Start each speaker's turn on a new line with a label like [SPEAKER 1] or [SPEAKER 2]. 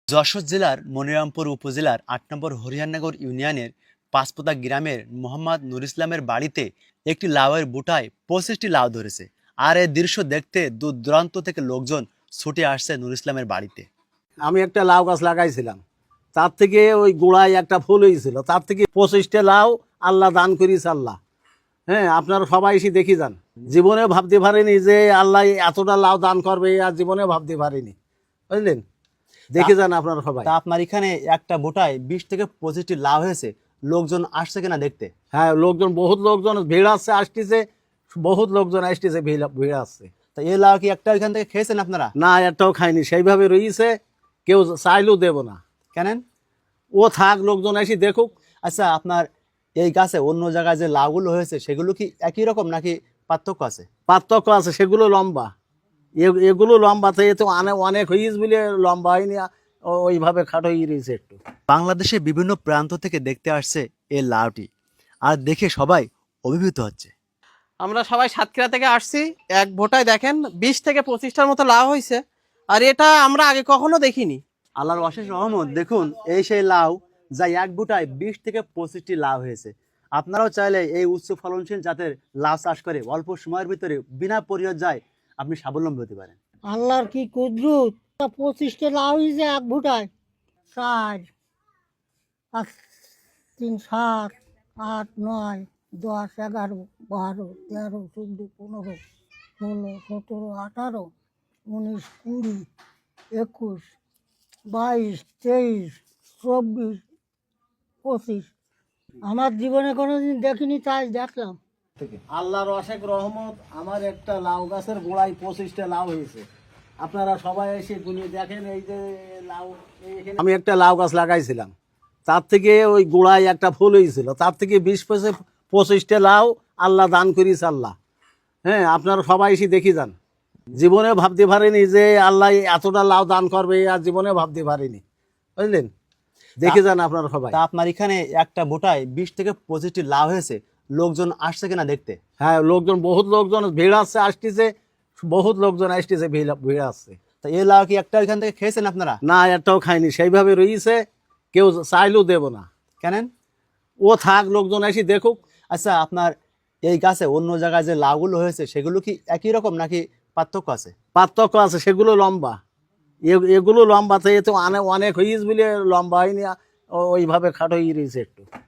[SPEAKER 1] যশোর জেলার মনিরামপুর উপজেলার ৮ নম্বর হরিয়ানগর ইউনিয়নের পাঁচপোতা গ্রামের মোহাম্মদ নুর ইসলামের বাড়িতে একটি লাউয়ের বুটায় ২৫টি লাউ ধরেছে। আর এই দৃশ্য দেখতে দূর দূরান্ত থেকে লোকজন ছুটে আসছে নুর ইসলামের বাড়িতে।
[SPEAKER 2] আমি একটা লাউ গাছ লাগাইছিলাম, তার থেকে ওই গোড়ায় একটা ফুল হয়েছিল, তার থেকে ২৫টা লাউ আল্লাহ দান করিস আল্লাহ। হ্যাঁ, আপনারা সবাই এসে দেখি যান। জীবনে ভাবতে পারিনি যে আল্লাহ এতটা লাউ দান করবে, আর জীবনে ভাবতে পারিনি, বুঝলেন। দেখে যান আপনারা সবাই।
[SPEAKER 1] তা আপনার এখানে একটা বুটায় ২০ থেকে ২৫টি লাউ হয়েছে, লোকজন আসছে কিনা দেখতে?
[SPEAKER 2] হ্যাঁ, লোকজন, বহুত লোকজন ভিড় আসছে, আসতেছে, বহুত লোকজন আসতেছে, ভিড় আসছে।
[SPEAKER 1] তা এই লাউ কি একটা এখান থেকে খেয়েছেন আপনারা?
[SPEAKER 2] না, একটাও খাইনি, সেইভাবে রয়েছে, কেউ চাইলেও দেব না।
[SPEAKER 1] কেন?
[SPEAKER 2] ও থাক, লোকজন এসে দেখুক।
[SPEAKER 1] আচ্ছা, আপনার এই গাছে অন্য জায়গায় যে লাউগুলো হয়েছে সেগুলো কি একই রকম নাকি পার্থক্য আছে?
[SPEAKER 2] পার্থক্য আছে, সেগুলো লম্বা, এগুলো লম্বা, তো এ তো অনেক হয়েছে বলে লম্বা হয়নি, ওইভাবে খাটো হয়ে রয়েছে একটু।
[SPEAKER 1] বাংলাদেশের বিভিন্ন প্রান্ত থেকে দেখতে আসছে এই লাউটি, আর দেখে সবাই অভিভূত হচ্ছে।
[SPEAKER 3] আমরা সবাই সাতক্ষীরা থেকে আসছি। এক ভোটায় দেখেন ২০ থেকে ২৫টার মতো লাউ হয়েছে, আর এটা আমরা আগে কখনো দেখিনি।
[SPEAKER 1] আল্লাহর অশেষ রহমত, দেখুন এই সেই লাউ যা এক বুটায় ২০ থেকে ২৫টি লাউ হয়েছে। আপনারাও চাইলে এই উচ্চ ফলনশীল জাতের লাউ চাষ করে অল্প সময়ের ভিতরে বিনা পরিচর্যায় আপনি স্বাবলম্বী হতে পারেন।
[SPEAKER 4] আল্লাহর কি কুদরত! ২৫টা লাউ হয়েছে এক ভুটায়। ৪, ৫, ৩, ৭, ৮, ৯, ১০, ১১, ১২, ১৩, ১৪, ১৫, ১৬, ১৭, ১৮, ১৯, ২০, ২১, ২২, ২৩, ২৪, ২৫। আমার জীবনে কোনোদিন দেখিনি, তাই দেখলাম।
[SPEAKER 2] আল্লাহর অশেষ রহমত, আমার একটা লাউ গাছের গোড়ায় ২৫টা লাউ হয়েছে। আপনারা সবাই এসে গুনিয়ে দেখেন। এই যে লাউ, আমি একটা লাউ গাছ লাগাইছিলাম, তার থেকে ওই গোড়ায় একটা ফুল হয়েছিল, তার থেকে ২০-২৫টা লাউ আল্লাহ দান করিস আল্লাহ। হ্যাঁ, আপনারা সবাই এসে দেখি যান। জীবনে ভাবতে পারিনি যে আল্লাহ এতটা লাউ দান করবে, আর জীবনে ভাবতে পারিনি, বুঝলেন। দেখে যান আপনারা সবাই।
[SPEAKER 1] তা আপনার এখানে একটা বুটায় ২০ থেকে ২৫টি লাউ হয়েছে, লোকজন আসছে কিনা দেখতে?
[SPEAKER 2] হ্যাঁ, লোকজন, বহুত লোকজন ভিড় আসছে, আসতেছে, বহুত লোকজন আসতেছে, ভিড় আসছে।
[SPEAKER 1] তা এই লাউ কি একটা এখান থেকে খেয়েছেন আপনারা?
[SPEAKER 2] না, একটাও খাইনি, সেইভাবে রয়েছে, কেউ চাইলেও দেব না।
[SPEAKER 1] কেন?
[SPEAKER 2] ও থাক, লোকজন এসে দেখুক।
[SPEAKER 1] আচ্ছা, আপনার এই গাছে অন্য জায়গায় যে লাউগুলো হয়েছে সেগুলো কি একই রকম নাকি পার্থক্য আছে?
[SPEAKER 2] পার্থক্য আছে, সেগুলো লম্বা, এগুলো লম্বা, তো এ তো অনেক হয়েছে বলে লম্বা হয়নি, ওইভাবে খাটো হয়ে রয়েছে একটু।